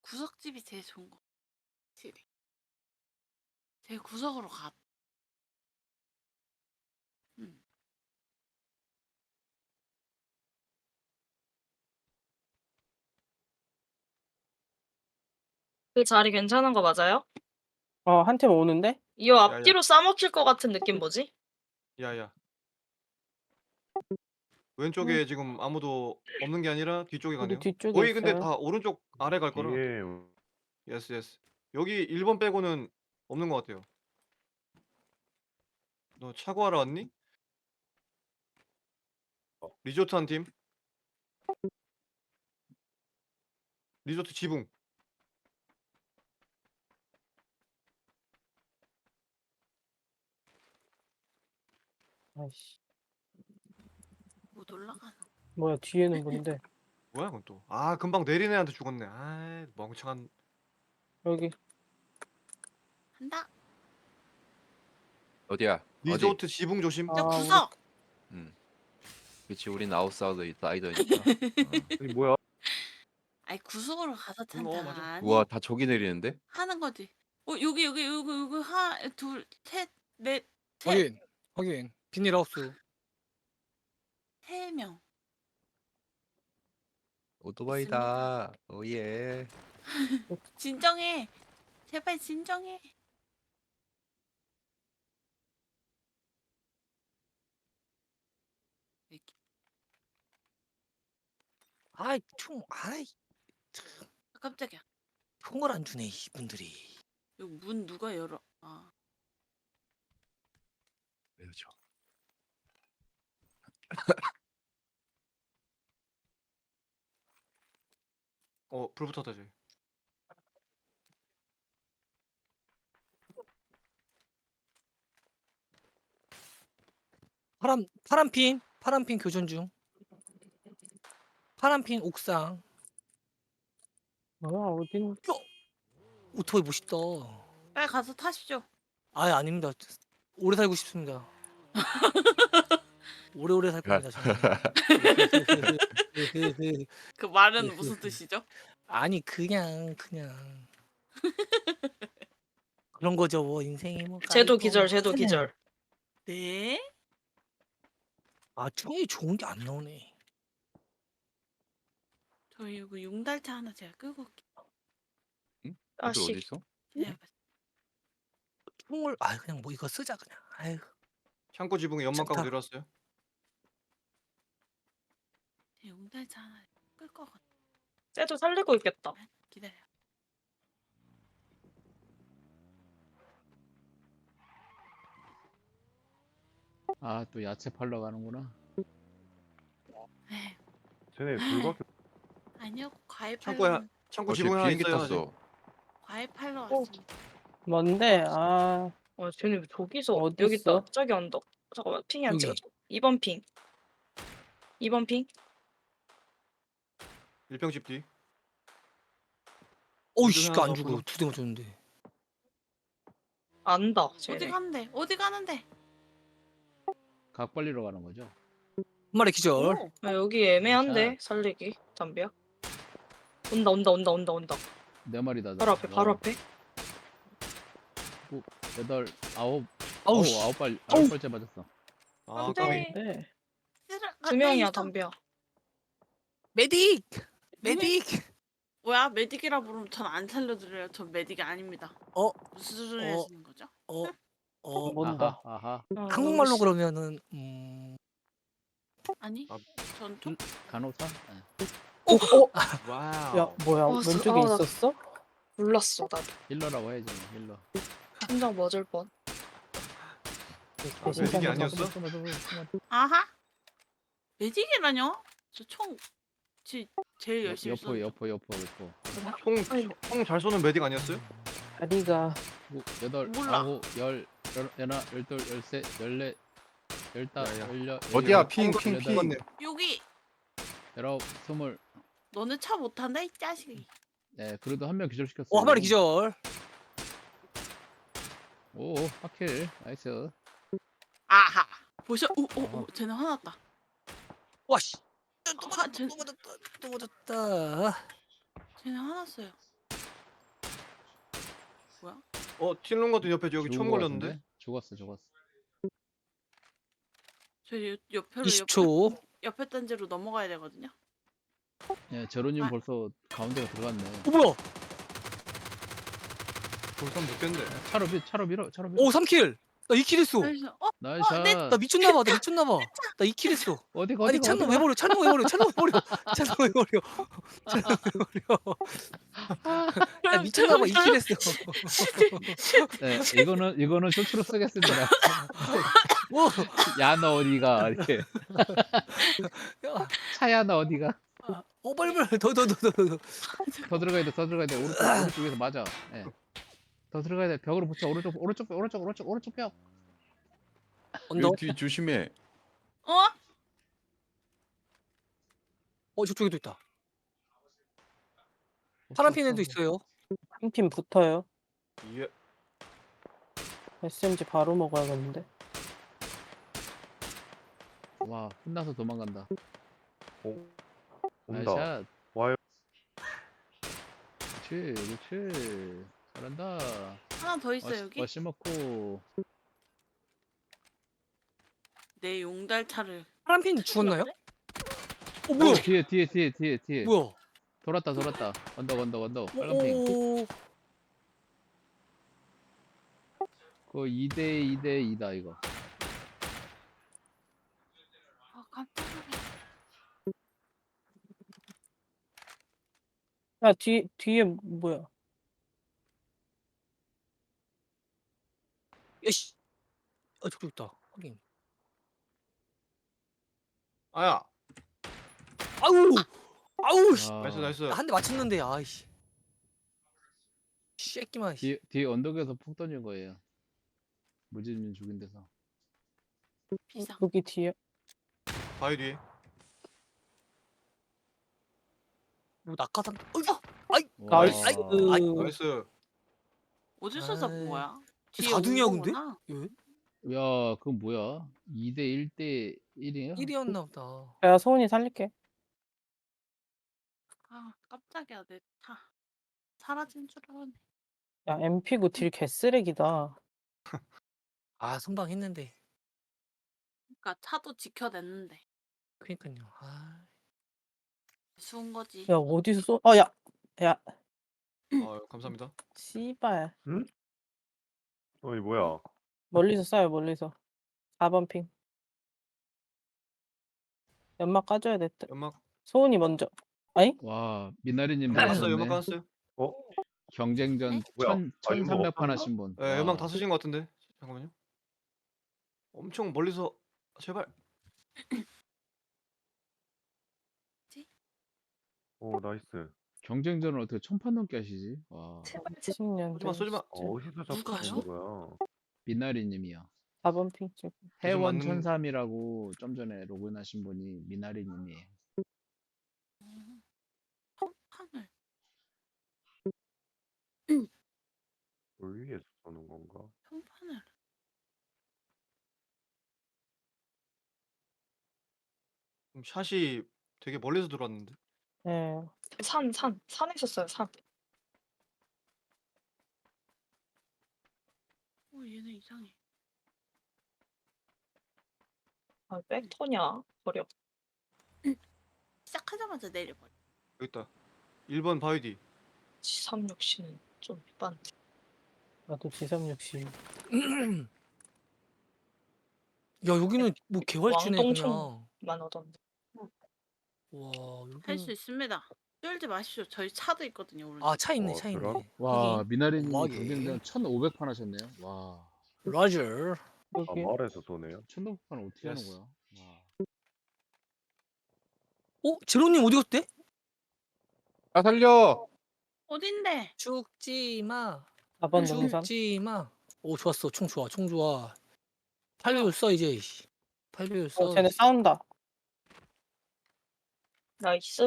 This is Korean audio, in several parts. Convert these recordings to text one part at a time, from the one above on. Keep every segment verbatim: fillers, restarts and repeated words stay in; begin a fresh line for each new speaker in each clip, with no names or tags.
구석집이 제일 좋은 거. 확실히. 제일 구석으로 가. 응.
그 자리 괜찮은 거 맞아요?
어, 한 팀 오는데?
이
야야.
앞뒤로 싸먹힐 것 같은 느낌 뭐지?
야야.
음.
왼쪽에 지금 아무도 없는 게 아니라 뒤쪽에
우리
가네요.
뒤쪽에
거의 근데
있어요.
다 오른쪽 아래 갈 거라.
뒤에
예스 예스. 여기 일 번 빼고는 없는 것 같아요. 너 차 구하러 왔니? 리조트 한 팀. 리조트 지붕.
아이씨.
못 올라가나.
뭐야, 뒤에는 뭔데?
뭐야 그건 또. 아 금방 내린 애한테 죽었네. 아 멍청한.
여기.
한다.
어디야? 어디?
리조트 지붕 조심.
저
아,
구석.
음. 그치 우린 아웃사이더 사이더니까.
여기 뭐야?
아이 구석으로 가서
음, 어,
찬다.
맞아.
아니,
우와 다 저기 내리는데?
하는 거지. 어 여기 여기 여기 여기 하나 둘셋넷 셋.
확인 확인 비닐하우스
세 명.
오토바이다. 오예.
진정해. 제발 진정해. 이렇게.
아이 총 아이
아, 깜짝이야.
총을 안 주네 이분들이.
여기 문 누가 열어? 아.
왜죠?
어 불 붙었다 저기.
파란 파란핀 파란핀 교전 중. 파란핀 옥상.
뭐야, 어딘?
오토바이 멋있다.
빨리 가서 타시죠.
아 아닙니다. 오래 살고 싶습니다. 오래오래 살 겁니다 저는.
그 말은 무슨 뜻이죠?
아니 그냥 그냥 그런 거죠 뭐 인생이 뭐.
쟤도
까이고
기절,
뭐
쟤도
하네.
기절.
네.
아 총이 좋은 게 안 나오네.
저희 이거 용달차 하나 제가 끌고 올게요.
응?
아,
애들
씨.
어디 있어?
기다려봐.
총을 아 그냥 뭐 이거 쓰자 그냥. 아유
창고 지붕에 연막
좋다.
까고 내려왔어요.
제 용달차 하나 끌 거거든.
쟤도 살리고 있겠다.
기다려.
아, 또 야채 팔러 가는구나.
에휴,
쟤네 둘밖에
아니요, 과일
창고에
팔러.
창고
어, 쟤
지붕에 하나
비행기
있어요. 아직.
탔어.
과일 팔러
어.
왔습니다.
뭔데? 아,
어, 쟤네 저기서
어디
여기
있어?
있다. 저기 언덕. 잠깐만 핑이 안
여기.
찍어져. 이 번 핑. 이 번 핑.
일평집 뒤.
어이씨
하나
안
더
죽어.
불러.
두 대 맞췄는데.
안다.
어디
쟤네.
가는데? 어디 가는데?
각 벌리러 가는 거죠?
한 마리 기절.
오,
아, 여기 애매한데 살리기. 담비야. 온다 온다 온다 온다 온다.
네 마리다.
바로 앞에 바로 앞에.
여덟, 아홉,
아우
아홉,
씨.
아홉 발, 아홉 발째 맞았어.
아
안 돼.
까비.
네.
쓰라-
두
아,
명이야
있어.
담비야.
메딕. 메딕.
뭐야, 메딕이라 부르면 전 안 살려드려요. 전 메딕이 아닙니다.
어.
무슨 소리
어.
하시는 거죠?
어. 어.
뭔다.
아하, 아하.
어,
한국말로
여기
그러면은 음.
아니,
아.
전 좀.
간호사? 네.
어, 어?
와우.
야, 뭐야,
어, 스-
왼쪽에
아, 나-
있었어?
몰랐어 나도.
힐러라고 해야지, 힐러.
심장 멎을 뻔.
아, 메딕이
아,
아니었어?
아하? 메딕이라뇨? 저 총, 지, 제일 열심히
여포,
쏘는
여포, 여포, 여포.
총총잘 쏘는 메딕 아니었어요?
다리가.
구, 여덟,
몰라.
아홉, 열, 열, 열하나, 열둘, 열셋, 열넷, 열다섯,
야, 야.
열여,
어디야?
열일곱,
핑, 핑,
열여덟,
핑.
맞네.
여기.
열아홉, 스물.
너네 차 못한다 이 자식이.
네, 그래도 한 명 기절시켰어요.
어 한 마리 기절.
오, 하킬. 나이스.
아하. 보셔. 오, 오, 오. 쟤네 화났다.
와씨.
아, 쟤,
또 맞았다. 또 맞았다.
쟤네 화났어요.
어 틸롱 같은 옆에 여기
죽은
처음
거
걸렸는데.
같은데? 죽었어 죽었어.
저 옆- 옆으로
이십 초.
옆에, 옆에 단지로 넘어가야 되거든요.
예, 제로님
아.
벌써 가운데가 들어갔네.
어 뭐야?
돌산 못겠네.
차로 밀 차로 밀어 차로 밀어.
오 삼 킬. 나 이 킬 했어.
그래서 어
나이샷.
네.
나 미쳤나봐. 나 미쳤나봐. 나 이 킬 했어.
어디가
아니
어디가
찬놈 왜
어디가?
버려? 찬놈 왜 버려? 찬놈 왜 버려? 찬놈 왜 버려? 찬놈 왜 버려? 나 미쳤나봐. 이 킬 했어.
네, 이거는 이거는 쇼츠로 쓰겠습니다.
뭐?
야 너 어디가 이렇게.
야,
차야 너 어디가?
어 빨리 빨리 더 더 더 더 더.
더 들어가야 돼, 더 들어가야 돼. 오른쪽, 오른쪽 위에서 맞아. 예. 더 들어가야 돼. 벽으로 붙여. 오른쪽, 오른쪽, 오른쪽, 오른쪽, 오른쪽 벽.
언더.
뒤 조심해.
어?
어 저쪽에도 있다. 파란 핀에도 있어요.
한 팀 붙어요.
예.
에스엠지 바로 먹어야겠는데.
와, 혼나서 도망간다.
오, 온다.
나이샷.
와요.
그렇지, 그렇지. 잘한다.
하나 더 있어 요 여기.
어시 먹고.
내 용달차를.
파란 핀 죽었나요? 어
오,
뭐야?
뒤에, 뒤에, 뒤에, 뒤에, 뒤에.
뭐야?
돌았다, 돌았다. 언덕, 언덕, 언덕. 빨간 핑.
오.
그거 이 대 이 대 이다 이거.
아 깜짝이야.
야, 뒤, 뒤에 뭐야?
야씨. 아 저기 있다. 확인.
아야.
아우. 아우 씨.
아,
나이스 나이스.
한 대 맞췄는데 아이씨. 새끼만. 씨.
뒤, 뒤에 언덕에서 폭 던진 거예요. 무진님 죽인 데서.
비상.
여기 뒤에.
바위 뒤에.
뭐 낙하산. 어,
와.
나이스.
아이,
나이스.
어디서 잡은
아이,
거야? 뒤에
사등이야,
온
근데?
거구나.
예?
야, 그건 뭐야? 이 대 일 대 일이에요?
일이었나 보다.
내가 소은이 살릴게.
아 깜짝이야 내 차. 사라진 줄 알았네.
야, 엠피구 딜 개쓰레기다.
아 선방했는데.
그러니까 차도 지켜냈는데
그니까요. 아.
수은 거지.
야, 어디서 쏘? 어, 야, 야,
아 감사합니다.
씨발.
어이 뭐야?
멀리서 쏴요, 멀리서. 사 번 핑. 연막 까줘야 됐다.
연막
소은이 먼저. 아니?
와, 미나리님
깔았어요. 연막
나셨네.
깔았어요.
어?
경쟁전
네?
뭐야?
천,
아, 이거
천삼백 판
뭐
하신 분.
예,
와.
연막 다 쓰신 것 같은데. 잠깐만요. 엄청 멀리서 제발.
오 나이스.
경쟁전을 어떻게 천판 넘게 하시지? 와,
십 년.
쏘지마 쏘지마.
어디서 잡고
누가요?
있는 거야?
미나리님이요.
사 번 핑 쪽.
해원
맞는-
천삼이라고 좀 전에 로그인하신 분이 미나리님이에요.
판을.
물 위에서 쏘는 건가?
평판을.
좀 샷이 되게 멀리서 들어왔는데.
예.
산, 산, 산에 있었어요, 산.
어 얘네 이상해.
아, 백터냐? 버려.
시작하자마자 내려버려.
여기 있다. 일 번 바위 뒤.
지삼육 씨는 좀 빤.
나도 지삼육십.
야 여기는 뭐 개활지네 그냥.
왕똥총. 만 하던데.
와
할 수
여기.
있습니다. 쫄지 마십시오. 저희 차도 있거든요. 오른쪽.
아차 있네
어,
차 있네.
그럼?
와, 미나리님
어마어마하게.
경쟁전 천오백 판 하셨네요. 와,
라저.
아
여기.
말에서 쏘네요.
천오백 판 어떻게 하는
예스.
거야? 와.
어 제로님 어디 갔대?
아 살려.
어딘데?
죽지 마.
사 번 능선.
죽지 마. 오 좋았어 총 좋아 총 좋아. 팔 배율 써 이제. 팔 배율 써.
어, 쟤네 싸운다.
나이스.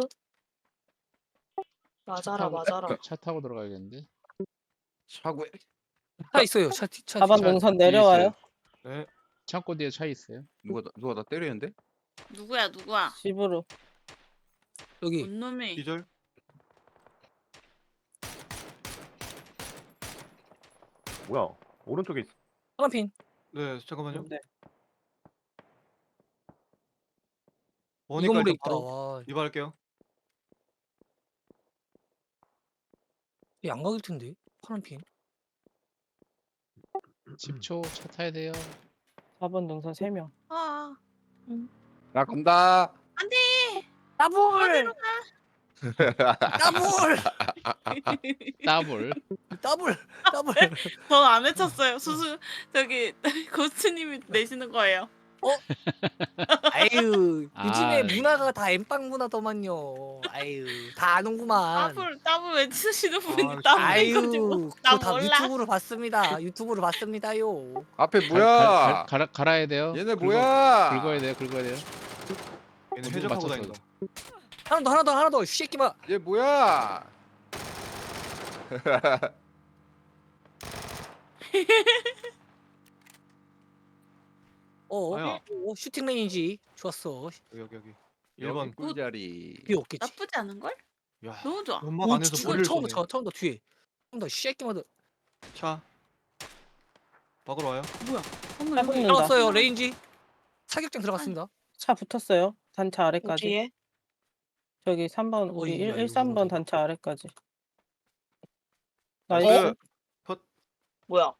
맞아라,
타고-
맞아라.
차 타고 들어가야겠는데.
차고.
차 있어요 차. 뒤- 차.
사 번
뒤-
차
능선
뒤에
내려와요.
있어요.
네.
창고 뒤에 차 있어요.
누가 나- 누가 나 때리는데?
누구야 누구야?
집으로.
여기.
뭔 놈이?
기절.
뭐야? 오른쪽에 있어.
파란핀.
네 잠깐만요.
네.
이
보니까
건물에
일단
있다.
바로
와,
이발할게요.
이 양각일 텐데. 파란핀.
십 초 차 타야 돼요.
사 번 능선 세 명.
아,
나 간다.
더블. 더블.
더블.
더블. 더블.
저 안 외쳤어요. 수수 저기 고스님이 내시는 거예요.
아유, 요즘에
아.
문화가 다 엠빵 문화더만요. 아유, 다 아는구만.
따블 따블 외치시는 분이
아,
따블인
아유,
가지고
그거
나
다
몰라.
유튜브로 봤습니다. 유튜브로 봤습니다요.
앞에
갈- 갈- 갈-
뭐야?
갈아 갈아야 돼요.
얘네
긁어-
뭐야?
긁어야 돼요. 긁어야 돼요.
얘는
어디
해적하고
맞췄어.
다닌다.
하나 더, 하나 더, 하나 더. 쉐끼마.
얘 뭐야?
어,
아야.
어, 슈팅 레인지. 좋았어.
여기 여기 여기.
여기
일 번.
꿀자리.
비 없겠지.
나쁘지 않은 걸?
야.
너무 좋아.
연막
오,
안에서
주-
머리를
처음 더,
쏘네.
처음, 처음 더 뒤에. 처음 더 쉐끼마 더.
차. 밖으로 와요.
뭐야? 어머
차
여기
붙는다.
들어갔어요. 레인지. 사격장 들어갔습니다.
차 붙었어요. 단차 아래까지.
뒤에?
저기 삼 번 우리
어이야,
일,
이거
일, 삼 번
이거.
단차 아래까지.
나이스.
나이스.
뭐야?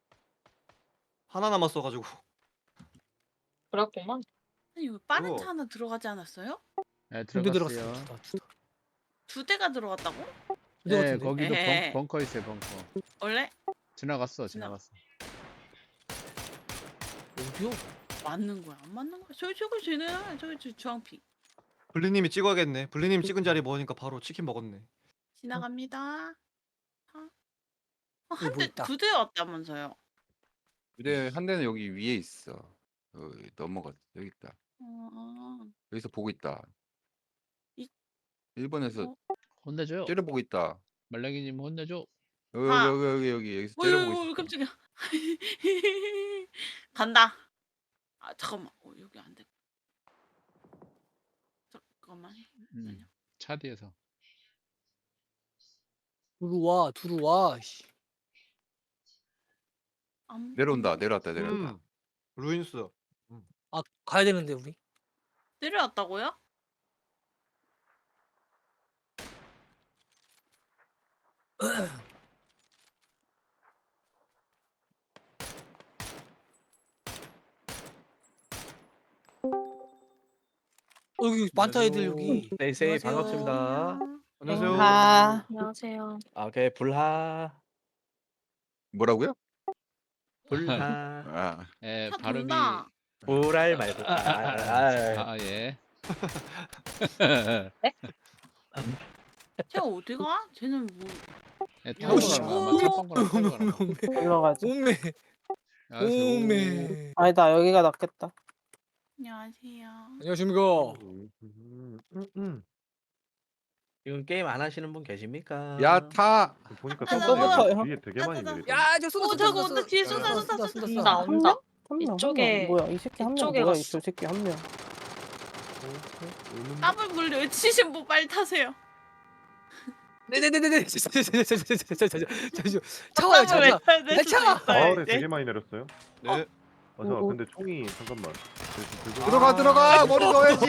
하나 남았어가지고.
그랬구만.
아니 왜 빠른
그거.
차 하나 들어가지 않았어요?
네,
두 대
들어갔어요.
들어갔어. 두 대.
두 대가 들어갔다고?
두 대
네,
같은데.
거기도
에헤.
벙, 벙커 있어요. 벙커.
원래
지나갔어.
지나가.
지나갔어.
어디요?
맞는 거야? 안 맞는 거야? 저기 저기 쟤는 저기 저 주황피
블리님이 찍어야겠네. 블리님 찍은 자리 먹으니까 바로 치킨 먹었네.
지나갑니다. 아, 어,
여기 뭐
한 대,
있다.
두 대였다면서요?
근데 한 대는 여기 위에 있어. 여기 넘어갔어. 여기 있다.
어,
여기서 보고 있다.
이-
일 번에서
어?
혼내줘요.
째려보고 있다.
말랭이님 혼내줘.
여기
아.
여기 여기 여기 여기서
어이,
째려보고
어이,
있어.
깜짝이야. 간다. 아 잠깐만. 어, 여기 안 돼. 잠깐만.
음, 차 뒤에서.
들어와, 들어와. 씨.
안
내려온다.
보여.
내려왔다. 내려왔다.
음. 루인스.
아, 가야 되는데 우리.
내려왔다고요?
어, 여기 많다 애들 여기.
네이세이
안녕하세요.
반갑습니다.
안녕하세요.
아,
안녕하세요.
아, 오케이 불하
뭐라고요?
불하
아,
예,
차
발음이
돈다.
불알 말고 아, 아, 아,
아, 예.
쟤 어디 가? 쟤는 뭐?
예,
오,
타고
씨.
가는 거야. 타고 가는 거야. 타고 가는 거야.
올라가지.
오메,
알았어요.
오메.
아니다, 여기가 낫겠다.
안녕하세요.
안녕하십니까.
음, 음, 음, 음.
지금 게임 안 하시는 분 계십니까?
야 타.
보니까
아,
또
너무
위에 되게 많이
아,
내리던데.
야, 저 쏜다,
오,
쏜다,
저거
쏜다,
온다. 뒤에
쏜다,
쏜다,
쏜다,
쏜다,
쏜다,
쏜다.
쏜다.
온다.
한 명,
이쪽에-
한 명. 뭐야, 이 새끼 한 명.
이쪽에
뭐야,
갔어.
이 새끼 한 명.
따블 물리 외치신 분 빨리 타세요.
네네네네네. 저, 저, 저, 저, 저, 저, 저, 저, 저, 저, 저. 차와요, 차,
따블
차.
외쳐야 될 수도
차!
있어요,
마을에
이제.
되게 많이 내렸어요.
네.
아, 잠깐
어, 어.
근데 총이 잠깐만. 저- 저- 저-
들어가 들어가. 머리 넣어야지.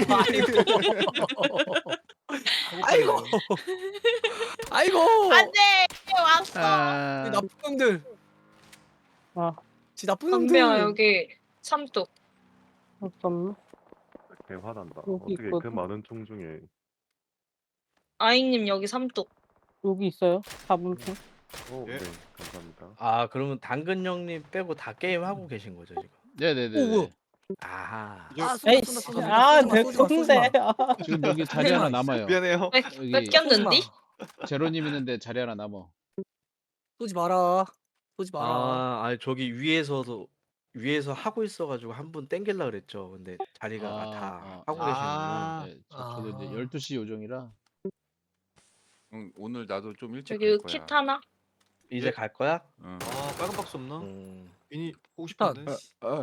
아이고. 아이고.
안돼 왔어.
아,
이 나쁜 놈들.
아,
지 나쁜 놈들.
담배야 여기 삼뚝.
잠깐만.
개 화난다.
여기
어떻게 그
있거든.
많은 총 중에
아이님 여기 삼뚝.
여기 있어요. 사 번 핑.
어,
예.
네, 감사합니다.
아, 그러면 당근 형님 빼고 다 게임 하고 계신 거죠, 지금?
네, 네,
오,
네.
뭐야?
네.
아하.
아, 쏜다,
에이,
쏜다,
씨.
쏜다,
아,
쏜다,
내
쏜다, 쏜다, 쏜다.
쏜데. 아,
지금 여기 자리 하나 남아요.
미안해요.
뺏,
여기
뺏겼는디?
제로님 있는데 자리 하나 남어.
쏘지 마라. 쏘지 마라.
아, 아니 저기 위에서도 위에서 하고 있어가지고 한 분 땡길라 그랬죠. 근데 자리가
아,
다
아,
하고
아.
계시는
네, 저, 저도 이제
아.
열두 시 요정이라.
응, 오늘 나도 좀 일찍
저기
갈 거야.
킷 하나?
이제
예?
갈 거야?
응.
아 빨간 박스 없나?
음.
미니 보고
일단-
싶은데.
아,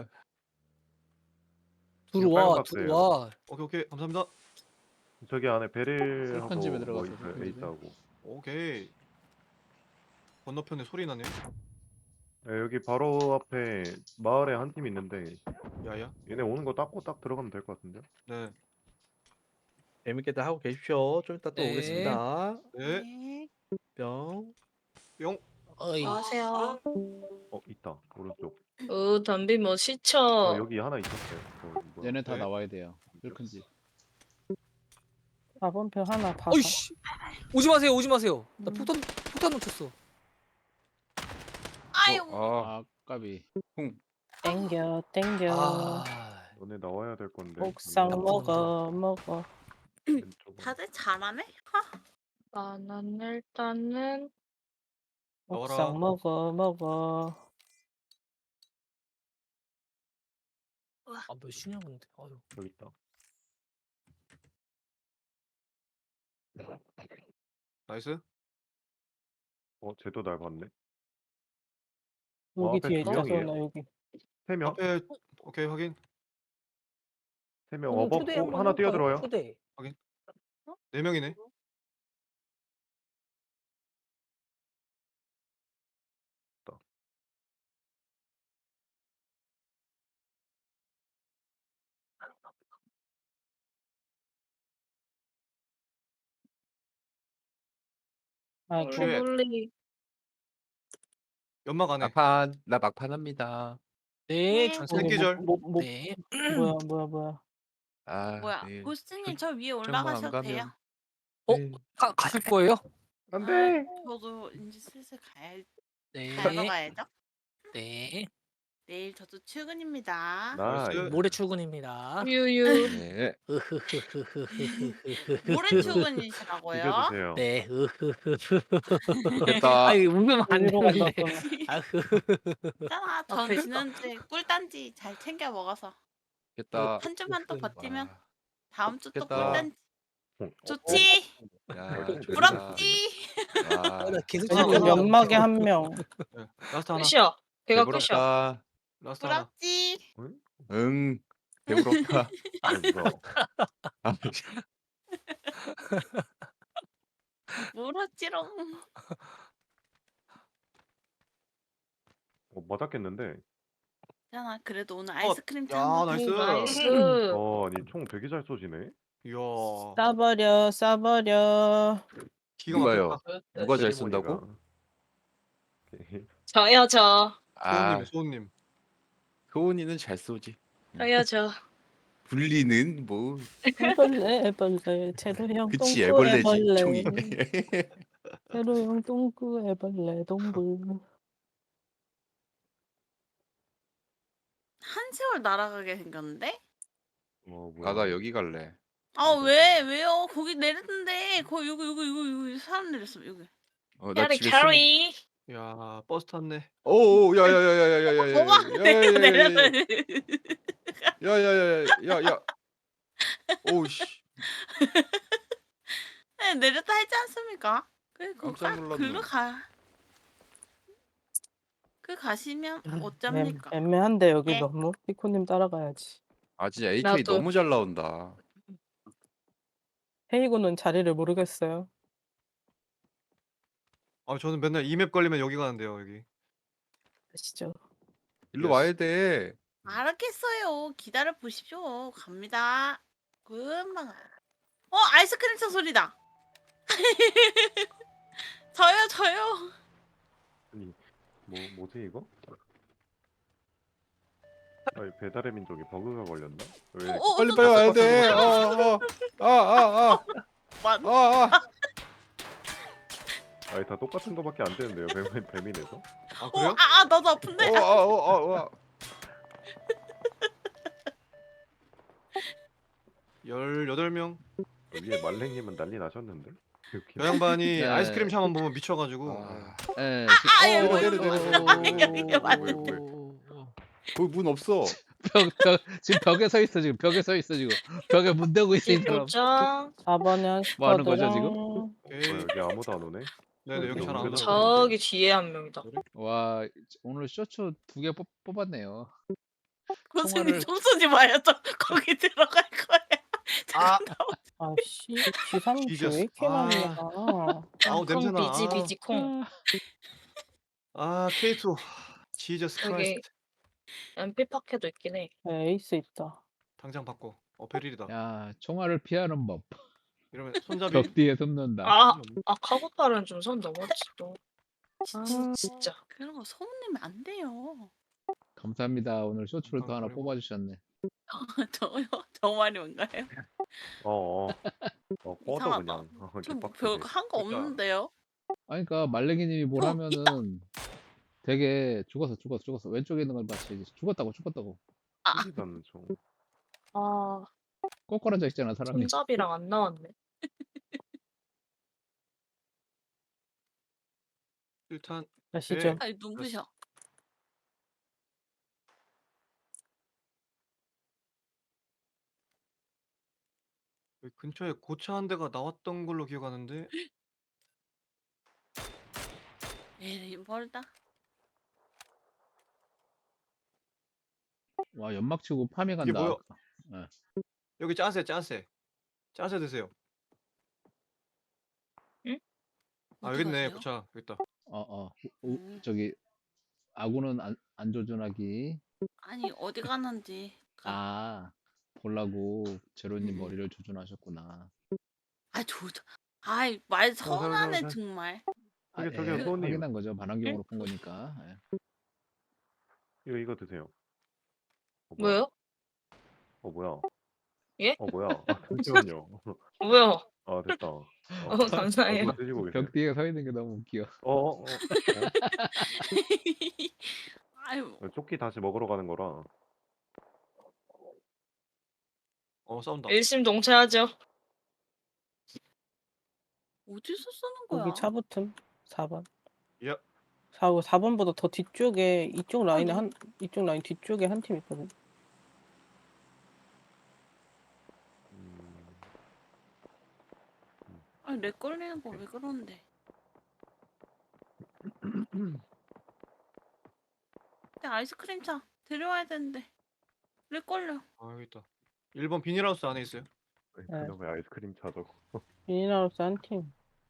들어와,
빨간 박스예요.
들어와.
오케이 오케이 감사합니다.
저기 안에 베릴하고
슬픈 집에
뭐
들어가서
있어요.
슬픈 집에.
에이스하고.
오케이. 건너편에 소리 나네.
네, 여기 바로 앞에 마을에 한 팀 있는데
야야.
얘네 오는 거 닦고 딱 들어가면 될 것 같은데.
네.
재밌게들 하고 계십시오. 좀 이따 또
네.
오겠습니다.
네.
네.
뿅.
뿅.
어이.
안녕하세요.
어 있다 오른쪽.
어 담비 뭐
어
시쳐.
여기 하나 있었어요. 어, 뭐야?
얘네 다
네.
나와야 돼요. 힐큰지.
사 번표 하나 봐서.
어이씨. 오지 마세요. 오지 마세요. 나
음.
폭탄 폭탄 놓쳤어.
아이고.
아,
아 까비.
땡겨 땡겨.
아.
너네 나와야 될 건데.
옥상
음,
먹어 먹어.
왼쪽으로.
다들 잘하네? 하.
나는 일단은
나와라.
옥상 먹어 먹어.
아몇 시냐 근데. 아유.
여기 있다.
나이스.
어 쟤도 날 봤네.
여기
앞에
뒤에
두
있다
명이에요?
소나 여기.
세 명?
앞에 오케이 확인.
세 명.
오늘
어버
초대
어,
한번
하나
해볼까요?
뛰어들어요.
초대.
네 명이네.
아이고.
쉣.
멀리
연막 안에.
막판 나 막판 합니다.
네.
네.
주세요.
새끼 절.
뭐, 뭐, 뭐,
네.
뭐야 뭐야 뭐야.
아,
뭐야?
네.
고스님 저 위에
정말 안
올라가셔도 돼요.
가면
어?
네.
가 가실 거예요?
안돼.
아, 저도 이제 슬슬 가야
네.
가러 가야죠.
네.
내일 저도 출근입니다.
나이스.
모레 출근입니다.
유유.
네.
모레 출근이시라고요?
이겨주세요.
네.
됐다.
아니 웃으면 안
어디로
되는데.
간다 소나.
아흐.
있잖아. 전
앞에 있다.
지난주에 꿀단지 잘 챙겨 먹어서
됐다.
한 주만 더 버티면
와.
다음 주 또
좋겠다.
꿀단지.
어,
좋지?
야,
어,
좋다.
부럽지?
야,
나 계속
지금
어.
연막에 한 명.
네. 라스트 하나.
끝이야. 걔가 끝이야.
배부럽다.
라스트 하나.
부럽지?
응. 배부럽다.
그래서
아,
부럽지롱.
어, 맞았겠는데.
있잖아. 그래도 오늘
어,
아이스크림
야,
짠거
나이스.
나이스.
어 아니 총 되게 잘 쏘시네.
이야.
싸버려 싸버려.
기가
누가요?
막혔다.
누가 잘
세리머니가.
쏜다고?
오케이.
저요 저.
아,
소은님, 소은님.
소은이는 잘 쏘지.
저요 저.
분리는 뭐
애벌레 애벌레 제로형
그치
똥꾸
애벌레지
애벌레.
총이.
제로형 똥꾸 애벌레 동굴.
한시월 날아가게 생겼는데?
어 뭐야.
아, 나 여기 갈래.
아, 왜? 왜요? 거기 내렸는데. 거기 여기 여기 여기 여기 사람 내렸어. 여기.
어, 나
캐리
집에 숨.
캐리.
야, 버스 탔네.
오, 야야야야야야야야.
뭐가 내가 내렸어.
야야야야야야. 오우씨.
네, 내렸다 했지 않습니까? 그
깜짝
가,
놀랐네.
글로 가. 그 가시면
애,
어쩝니까?
애매한데 여기
네.
너무 피코님 따라가야지.
아 진짜 에이케이
나도.
너무 잘 나온다.
헤이고는 자리를 모르겠어요.
아, 저는 맨날 이 맵 걸리면 여기 가는데요, 여기.
아시죠?
일로
예스.
와야 돼.
알았겠어요. 기다려 보십시오. 갑니다. 금방. 어, 아이스크림 차 소리다. 저요, 저요.
아니 뭐 뭐지 이거? 아니 배달의 민족이 버그가 걸렸나? 왜?
어, 어,
빨리
어,
빨리
어,
와야
어,
돼.
어,
어, 어, 아, 아, 아,
맞-
아, 아.
아니 다 똑같은 거밖에 안 되는데요. 배 배민에서?
아,
어,
그래요?
아, 아, 나도 아픈데.
어, 아, 어, 아, 아.
열여덟 명.
위에 말랭님은 난리 나셨는데.
저
이렇게.
양반이
네.
아이스크림 차만 보면 미쳐가지고.
아,
예.
아,
지금-
이거
어,
때려,
어,
때려,
어,
때려.
어,
이게 맞네.
어, 어, 어.
거기 문 없어.
벽, 벽, 지금 벽에 서 있어 지금 벽에 서 있어 지금 벽에 문 대고 있어 이
이
사람.
도장.
사 번형
뭐 하는 거죠,
스쿼드랑
오케이.
어, 여기 아무도 안 오네.
네네, 여기 잘 안
여기서
나와.
저기 뒤에 한 명이다.
와 오늘 쇼츠 두 개 뽑았네요.
교수님
총알을-
좀 쏘지 마요. 저 거기 들어갈 거야.
아.
잠깐 나와.
아씨 지삼주
뒤졌어.
왜 이렇게 많이
아.
나가?
아우,
콩
냄새나.
비지 비지 콩.
아, 케이 투. 지저스
여기
크라이스트.
엠피 파켓도 있긴 해.
네, 에이스 있다.
당장 바꿔. 어 베릴이다.
야 총알을 피하는 법.
이러면 손잡이.
벽 뒤에 숨는다.
아, 아 카고팔은 좀 선 넘었지 또.
아,
진짜.
그런 거 소문내면 안 돼요.
감사합니다. 오늘 쇼츠를 또 하나
그리고-
뽑아주셨네.
저요? 저 말이 뭔가요?
어어. 어 꺼져
이상하다.
그냥. 어,
저
개빡치네.
별거 한 거
그러니까.
없는데요?
아니 그러니까 말랭이님이 뭘
어,
하면은 되게 죽었어 죽었어 죽었어 왼쪽에 있는 걸 봤지 죽었다고 죽었다고
쓰지도 않는 총.
아,
꼬꾸라져 있잖아 사람이.
손잡이랑 안 나왔네.
일단
아시죠?
아니 눈부셔.
여기 근처에 고차 한 대가 나왔던 걸로 기억하는데.
에이 멀다.
와 연막 치고 파밍
이게
간다.
뭐야? 여기 짜세 짜세. 짜세 드세요. 아
어디
여기 있네
가세요?
고차. 여기 있다.
어어
음.
저기 아군은 안, 안 조준하기.
아니 어디 가는지. 가.
아 보려고 제로님
음.
머리를 조준하셨구나.
아 저. 아이 말
자, 자,
선하네
자.
정말.
아,
저기, 저기요,
예,
소님.
확인한 거죠. 반환경으로 본 거니까. 예.
이거 이거 드세요. 어, 뭐야?
뭐요?
어 뭐야?
예?
어 뭐야? 아, 잠시만요.
뭐요?
아 됐다. 어,
어, 감사해요.
뭐 드시고 계세요?
벽 뒤에 서 있는 게 너무 웃겨.
어, 어, 어,
아유
어? 조끼 다시 먹으러 가는 거라.
어 싸운다.
일심동체하죠.
어디서 쓰는 거야?
여기 차 붙음. 사 번.
야.
사, 사 번보다 더 뒤쪽에 이쪽 라인에
너-
한 이쪽 라인 뒤쪽에 한 팀 있거든.
음,
아니 렉 걸리는 거 왜 그러는데? 근데 아이스크림 차 데려와야 되는데 렉 걸려.
아 여기 있다. 일 번 비닐하우스 안에 있어요.
그놈의 아이스크림 차다고.
미니나우스 한 팀.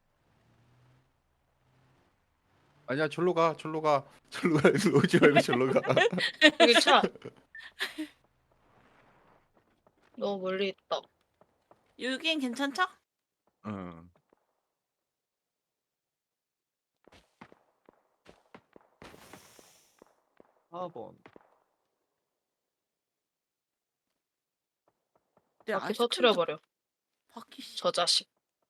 아니야 절로 가 절로 가 절로 가 일로 오지 말고 절로 가.
여기 차. 너무 멀리 있다.
여긴 괜찮죠?
응.
사 번.
내
바퀴
아이스크림
터트려버려.
바퀴 씨.
저 자식.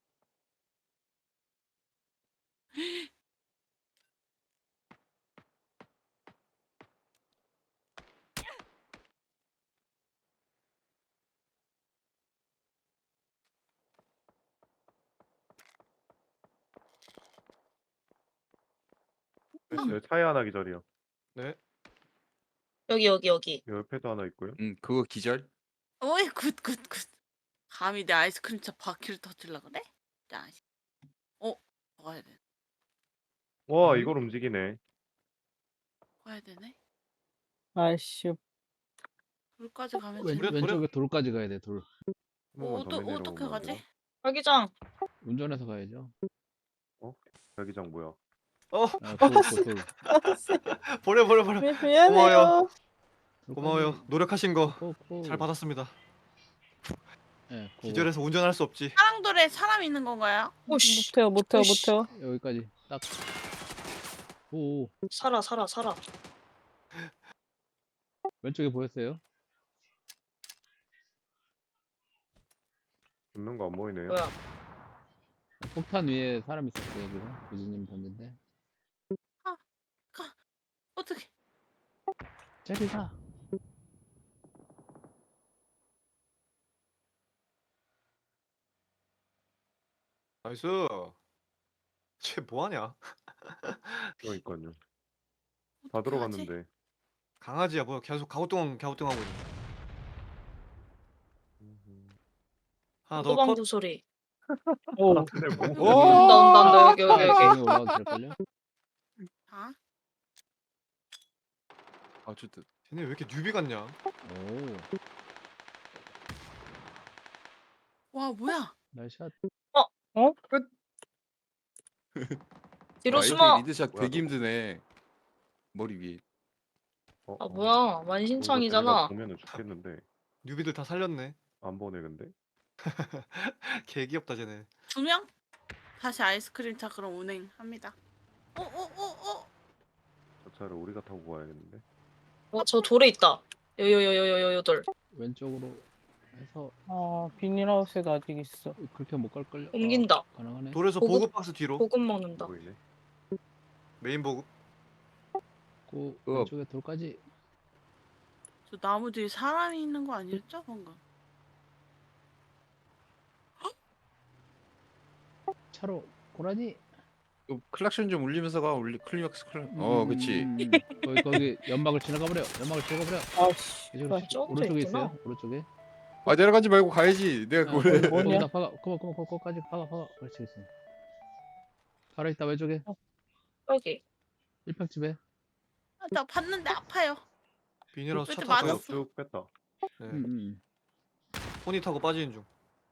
네, 차에 하나 기절이요.
네.
여기 여기 여기.
옆에도 하나 있고요.
응 그거 기절.
어이 굿굿굿. 감히 내 아이스크림 차 바퀴를 터뜨려 그래? 자. 어 가야 돼.
와
음?
이걸 움직이네.
가야 되네.
아이씨.
돌까지 가면
왼,
되네.
그래, 그래?
왼쪽에 돌까지 가야 돼. 돌.
한 번만 더
어떠,
내려오면
어떻게
안
가지?
돼요?
자기장.
운전해서 가야죠.
자기장 뭐야?
어
아, 돌, 돌, 돌.
버려 버려 버려.
미, 미안해요.
고마워요.
돌까지.
고마워요. 노력하신 거 잘
고, 고.
받았습니다.
예, 그거.
기절해서 운전할 수 없지.
사랑돌에 사람 있는 건가요?
오씨.
못해요, 못해요,
오씨.
못해요.
여기까지 딱. 오,
살아 살아 살아.
왼쪽에 보였어요?
붙는 거 안 보이네요.
뭐야?
폭탄 위에 사람 있었어요 지금. 부지님 던진데.
어떻게?
째리가.
나이스. 쟤 뭐하냐?
그러니까요. 다 들어갔는데.
강아지야 뭐야? 계속 가우뚱 가우뚱 하고 있네. 하나 더 컷.
소방구 소리.
오,
근데 뭐?
오!
온다 온다 온다 여기 여기 여기.
지금 올라와도 될걸요?
아?
아 좋다.
쟤네 왜 이렇게 뉴비 같냐?
오,
와 뭐야?
나이샷.
뒤로
와,
숨어.
리드샷
뭐야,
되게 힘드네. 머리 위에.
어,
아
어.
뭐야
어, 이거 쟤네가
만신창이잖아.
보면은 죽겠는데
뉴비들 다 살렸네.
안 보내 근데.
개 귀엽다 쟤네.
두 명? 다시 아이스크림 차 그럼 운행합니다. 어, 오오오오
저 차를 우리가 타고 가야겠는데.
어 저 돌에 있다. 요요요요요요 돌.
왼쪽으로 해서
아, 비닐하우스에도 아직 있어.
그렇게 못 갈걸요?
옮긴다.
아, 가능하네.
돌에서
보급-
보급 박스 뒤로.
보급 먹는다.
보이네.
메인 보급.
그
그-
왼쪽에 돌까지.
저 나무 뒤에 사람이 있는 거 아니었죠 방금?
차로 고라니.
그 클락션 좀 울리면서 가. 울리 클리막스 클락. 어,
음,
그치.
음, 음. 거기 거기 연막을 지나가 버려. 연막을 지나가 버려.
아씨.
이쪽으로
아, 저것도
오른쪽에
있구나.
있어요. 오른쪽에.
아, 내려가지 말고 가야지. 내가
아,
그걸.
거기,
뭐냐?
거기다 박아. 그만 그만 그만 거기까지 박아 박아. 그렇지 그렇지. 바로 있다 왼쪽에
여기.
일평집에.
아, 나 봤는데 아파요.
비닐하우스 차
그때
타고
맞았어.
쭉 뺐다.
네.
음, 음.
포니 타고 빠지는 중.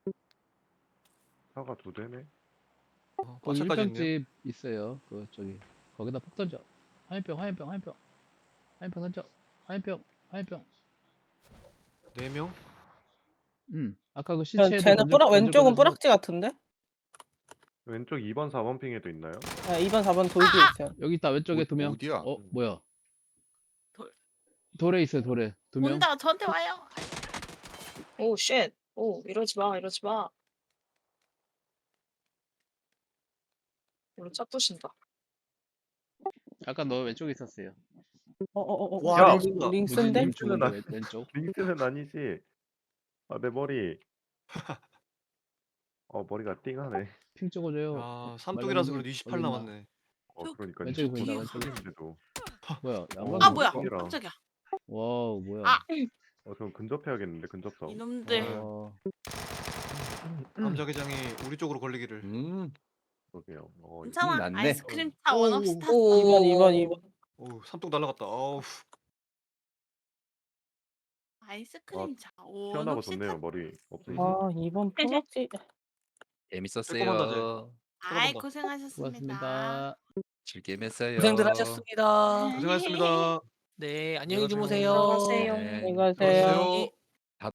차가 두 대네.
어,
거기
과차까지 있네요.
일평집 있어요. 그 저기 거기다 폭 던져. 화염병 화염병 화염병. 화염병 던져. 화염병 화염병.
네 명.
음. 아까 그
쟤-
시체에
쟤는 뿌락 왼쪽은 뿌락지 같은데?
왼쪽 이 번 사 번 핑에도 있나요?
아, 이 번 사 번 돌 뒤에 있어요.
여기 있다 왼쪽에
어-
두 명.
어디야?
어 뭐야?
돌.
돌에 있어요 돌에 두 명.
온다 저한테 와요.
오 쉣. 오 이러지 마 이러지 마. 이거 짝 부신다.
아까 너 왼쪽에 있었어요.
어, 어, 어, 어.
와,
야,
링스다.
링스인데?
님
링스는
쪽인데
안-
왼- 왼쪽.
링스는 아니지. 아, 내 머리. 어, 머리가 띵하네.
핑 찍어줘요.
아, 삼뚝이라서 그래도 이십팔
어딨나?
남았네.
어, 그러니까
왼쪽에 보인다,
이십팔
왼쪽에.
인데도.
뭐야?
어,
양반.
아 뭐야?
ting이라.
깜짝이야.
와우 뭐야?
아!
어, 전 근접해야겠는데 근접성.
이놈들.
와.
감자게장이 우리 쪽으로 걸리기를.
음.
그러게요. 어,
괜찮아.
났네.
아이스크림 차 원없이 탔어.
오.
이 번, 이 번, 이 번.
오, 삼뚝 날라갔다. 어우.
아이스크림 차
시원하고
원없이
좋네요.
탔어.
머리 없으니까.
아, 이 번 뿌락지.
재밌었어요.
아이
들어간다.
고생하셨습니다.
고맙습니다.
즐겜 했어요.
고생들 하셨습니다.
고생하셨습니다.
네, 안녕히
안녕하세요.
주무세요.
들어가세요.
네.
안녕히 가세요.
들어가세요.